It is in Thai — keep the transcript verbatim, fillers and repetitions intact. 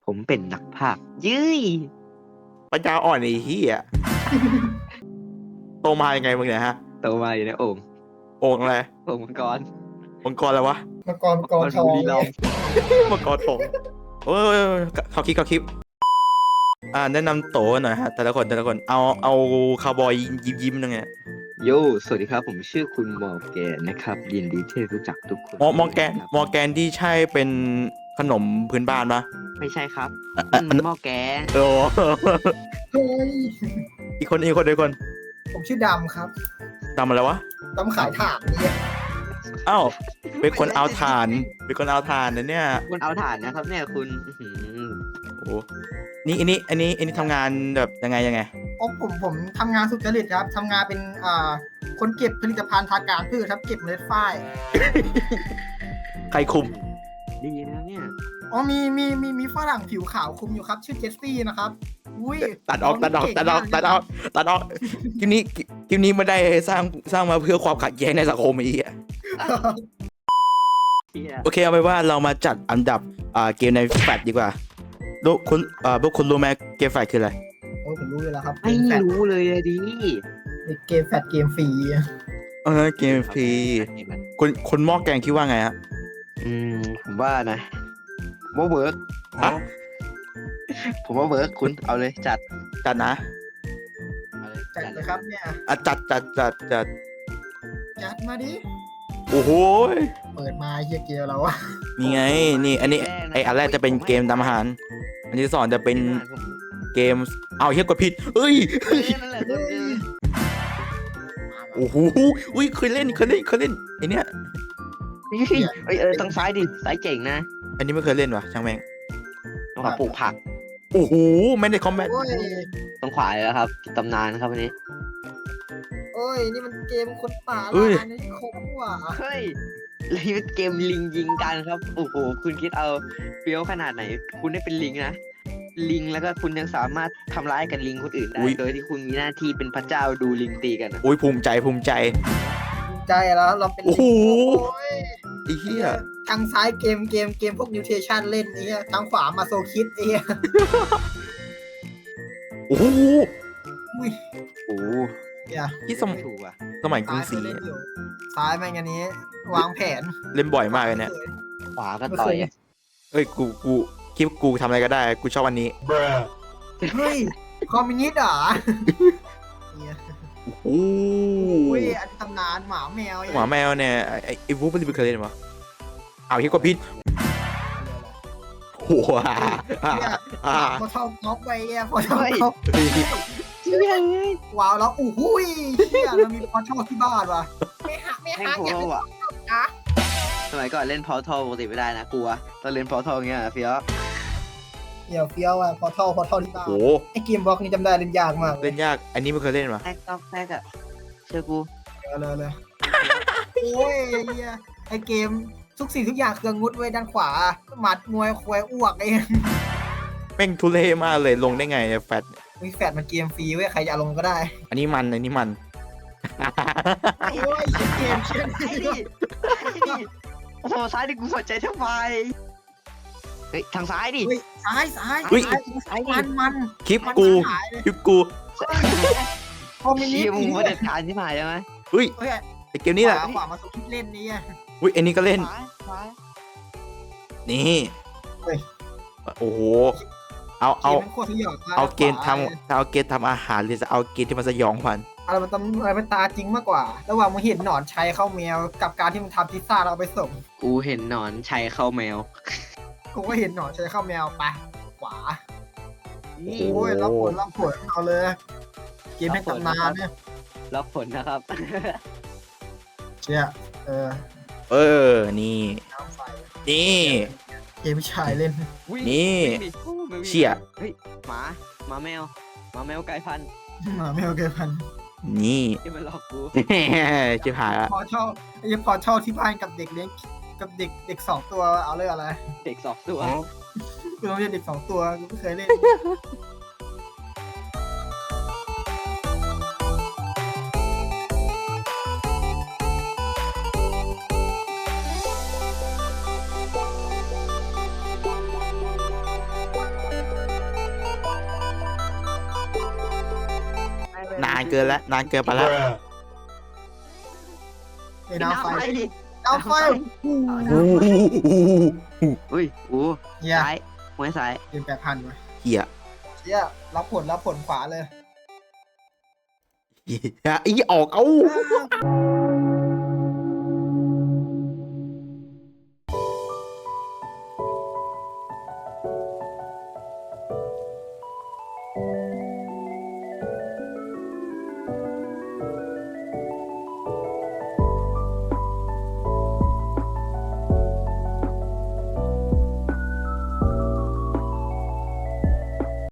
ผมเป็นนักพากย์ยื้ยปัญญาอ่อนไอ้เหี้ยโตมายังไงมึงเนี่ยฮะโตมาอยู่ในโอ่งโอ่งอะไรโอ่งมังกรมังกรอะไรวะมังกรมังกรทองบุรีรัมย์มังกรทองเอ้ยเขาคลิปเขาคลิปอ่าแนะนำโตหน่อยฮะแต่ละคนแต่ละคนเอาเอาคาวบอยยิ้มยิ้มนึงไงโยสวัสดีครับผมชื่อคุณมอร์แกนนะครับยินดีที่รู้จักทุกคนมอมอแกนครับมอแกนที่ใช่เป็นขนมพื้นบ้านปะไม่ใช่ครับอ่ะนั่อ่ะนมันหม้อแกงโอ้เฮ้ยอีกคนอีกคนอีกคนผมชื่อดำครับทำอะไรวะดำขายถ่านเนี่ยอ้าวเป็นคนเอาถ่านเป็นคนเอาถ่านนะเนี่ยคุณเอาถ่านนะครับเนี่ยคุณอื้อหือโอ้นี่อันนี้อันนี้อันนี้ทำงานแบบยังไงยังไงโอ้ผมผมทำงานสุจริตครับทำงานเป็นอ่าคนเก็บผลิตภัณฑ์ทางการพืชครับเก็บเมล็ดฝ้ายใครคุมดีนะเนี่ยอ๋อมีมีมีมีฝรั่งผิวขาวคุมอยู่ครับ ชื่อเจสซี่นะครับอุ้ยตัดออกตัดออกตัดออกตัดออกตัดออกคลิปนี้คลิปนี้ไม่ได้สร้างสร้างมาเพื่อความขัดแย้งในสังคมไอ้เหี้ยเหี้ยโอเคเอาไปนว่าเรามาจัดอันดับอ่าเกมในแฟลชดีกว่าดูคุณอ่าพวกคุณรู้ไหมเกมแฟลชคืออะไรโอ้ผมรู้เลยแล้วครับไม่เกมแฟดรู้เลยอะดิเกมแฟดเกมฟรีเออเกมฟรีคุณคุณหม้อแกงคิดว่าไงฮะอืมผมว่านะว่าเวิร์กฮะผมว่าเวิร์กคุณเอาเลยจัดจัดนะเอาเลยจัดเลยครับเนี่ยอ่ะจัดจัดจัดจัดจัดมาดิโอ้โหเปิดมาเฮียเกมเราอะนี่ไงนี่อันนี้ไออันแรกจะเป็นเกมทำอาหาร อันที่สองจะเป็นเกมเอาเฮียกดผิดเอ้ยเฮ้ยนั่นแหละคุณเออโอ้โหอุ้ยเคยเล่นเคยเล่นเคยเล่นไอเนี้ยเฮ้ยเอ้ยเออทางซ้ายดิซ้ายเจ๋งนะอันนี้ไม่เคยเล่นว่ะช่างแม่งต้องหาปลูกผักโอ้โหไม่ได้คอมแบทโอ้ยต้องขวาเลยแล้วครับตำนานครับวันนี้โอ้ยนี่มันเกมคนป่าละอันนี้คมว่ะเฮ้ยนี่เป็นเกมลิงยิงกันครับโอ้โหคุณคิดเอาเฟี้ยวขนาดไหน คุณได้เป็นลิงนะลิงแล้วก็คุณยังสามารถทำร้ายกับลิงคนอื่นได้โดยที่คุณมีหน้าที่เป็นพระเจ้าดูลิงตีกันอะโอ้ยภูมิใจภูมิใจใจแล้วเราเป็นโอ้โหโอ้ยไอ้เหี้ยทางซ้ายเกมเกมเกมพวกนิวเทชันเล่นนี่ทางขวามาโซคิดไอ้เหี้ยโอ้โหอุ้ยโอ้โหเนี่ยที่สมไม่ถูกอ่ะสมัยกรุซ้าง ยศรีเล่นอยู่ซ้ายแม่งอันนี้ วางแผนเล่นบ่อยมากเลยเนี่ยขวาก็ต่อยอะเอ้ยกูกูคิดว่ากูทำอะไรก็ได้กูชอบอันนี้เฮ้ยคอมมิวนิสต์เหรอเนี่ยโอ้อุ้ยอันนี้ตำนานหมาแมวหมาแมวเนี่ยไอ้ไอ้ไอ้วูฟไม่เคยเล่นมั้เอาเฮียกดผิดโอ้โหอ่าอ่าอ่าพอเท่าน็อกไปอ่ะพอเท่าน็อกเฮ้ยว้าวแล้วอู้หูยเฮียเรามีพอชอบที่บ้านว่ะไม่หักไม่แม่งหักโคอย่าโรไปอ่ะนะสมัยก่อนเล่นพอทอปกติไม่ได้นะกลัวตอนเล่นพอทอเงี้ยเฟี้ยวเดี๋ยวเฟี้ยวอ่ะพอเท่าพอเท่าที่บ้านโอ้ไอเกมบล็อกนี่จำได้เล่นยากมากเล่นยากอันนี้ไม่เคยเล่นมั้แทกต้องแทกอะเชื่อกูเลยเลยโอ้ยเฮียไอเกมทุกสิ่งทุกอย่างเครื่องงุดไว้ด้านขวาหมัดมวยควายอ้วกไอ้แม่งทุเรศมากเลยลงได้ไงเนี่ยแฟตวิแฟดมันเกมฟรีเว้ยใครจะเอาลงก็ได้อันนี้มันอันนี้มันโอ้ยเกมเชี่ยไอ้ดิไอ้ดิโอ้โหซ้ายดิกูสนใจทำไมเฮ้ยทางซ้ายดิเฮ้ยซ้ายซ้ายอุ๊ยซ้ายซ้ายดิมันมันคลิปมันกูหายเลยคลิปกูคอมมิวนิสเชี่ยต์มึงนี่มาเด็ดขาดที่หมายใช่ไหมอุ้ยเฮ้ยไอเกมนี้แหละขวาขวามาสุดเล่นนี่อ่ะอุ้ยอันนี้ก็เล่นซ้ายซ้ายนี่เฮ้ยโอ้โหเอาเอากมมันโคตรสยองเอาเกณฑ์ทำเอาเกณฑ์ทำอาหารหรือจะเอาเกณฑ์ที่มันสยองขวัญอะไรมันต้องอะไรมันตาจริงมากกว่า ระหว่างมึงเห็นหนอนชัยเข้าแมวกับการที่มึงทำพิซซ่าเราเอาไปส่งกูเห็นหนอนชัยเข้าแมวกูก็เห็นหนอนชัยเข้าแมวไปขวาโอ้โหโอ้ยรับผลรับผลเอาเลย เกมให้ตำนานเนี่ยล็อกผลนะครับเชี่ยเออเออนี่น้ำไฟนี่เกมชายเล่นวิ่งนี่วิ่งดิโอ้ไม่วิ่งเชี่ยเฮ้ยหมาหมาแมวหมาแมวไก่พันธุ์หมาแมวเกมพันนี่ที่มันหลอกกูชิบหายละพอชอบไอ้พอชอบที่บ้านกับเด็กเลี้ยงกับเด็กเด็กสองตัวเอาเลยอะไรเด็กสองตัวกูต้องเรียนเด็กสองตัวกูไม่เคยเล่นานเกินแล้วนานเกินไปแล้วไอ้น้ำไฟดิน้ำไฟอุ้ยโอ้เฮียซ้ายหัวซ้ายเกมแปดพันวะเฮียเฮียรับผลรับผลขวาเลยเฮียอีออกเอา